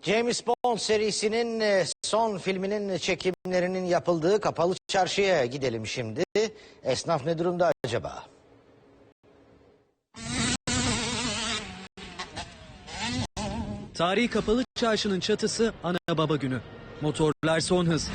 James Bond serisinin son filminin çekimlerinin yapıldığı Kapalı Çarşı'ya gidelim şimdi. Esnaf ne durumda acaba? Tarihi Kapalı Çarşı'nın çatısı ana baba günü. Motorlar son hız.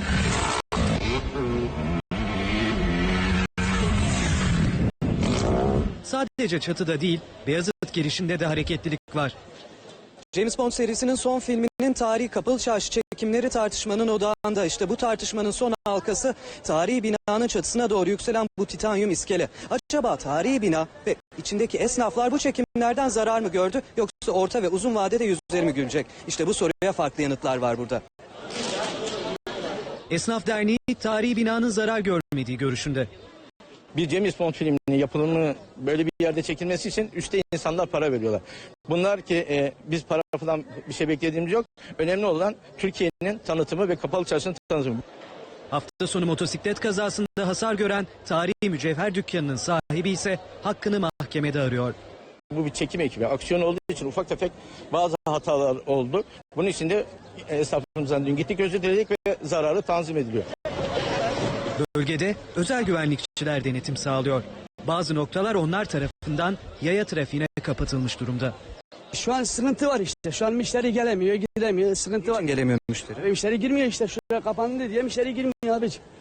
Sadece çatıda değil, Beyazıt girişinde de hareketlilik var. James Bond serisinin son filminin Tarihi Kapalı Çarşı çekimleri tartışmanın odağında. İşte bu tartışmanın son halkası tarihi binanın çatısına doğru yükselen bu titanyum iskele. Acaba tarihi bina ve içindeki esnaflar bu çekimlerden zarar mı gördü, yoksa orta ve uzun vadede yüzleri mi gülecek? İşte bu soruya farklı yanıtlar var burada. Esnaf Derneği tarihi binanın zarar görmediği görüşünde. Bir James Bond filminin yapılımı böyle bir yerde çekilmesi için üstte insanlar para veriyorlar. Bunlar ki biz para falan bir şey beklediğimiz yok. Önemli olan Türkiye'nin tanıtımı ve Kapalı Çarşı'nın tanıtımı. Hafta sonu motosiklet kazasında hasar gören tarihi mücevher dükkanının sahibi ise hakkını mahkemede arıyor. Bu bir çekim ekibi. Aksiyon olduğu için ufak tefek bazı hatalar oldu. Bunun için de esnafımızdan dün gittik, özür diledik ve zararı tanzim ediliyor. Bölgede özel güvenlikçiler denetim sağlıyor. Bazı noktalar onlar tarafından yaya trafiğine kapatılmış durumda. Şu an sıkıntı var işte. Şu an müşteri gelemiyor, gidemiyor. Sıkıntı var. Gelemiyor müşteri. Müşteri girmiyor işte. Şuraya kapandı diye müşteri girmiyor abiciğim.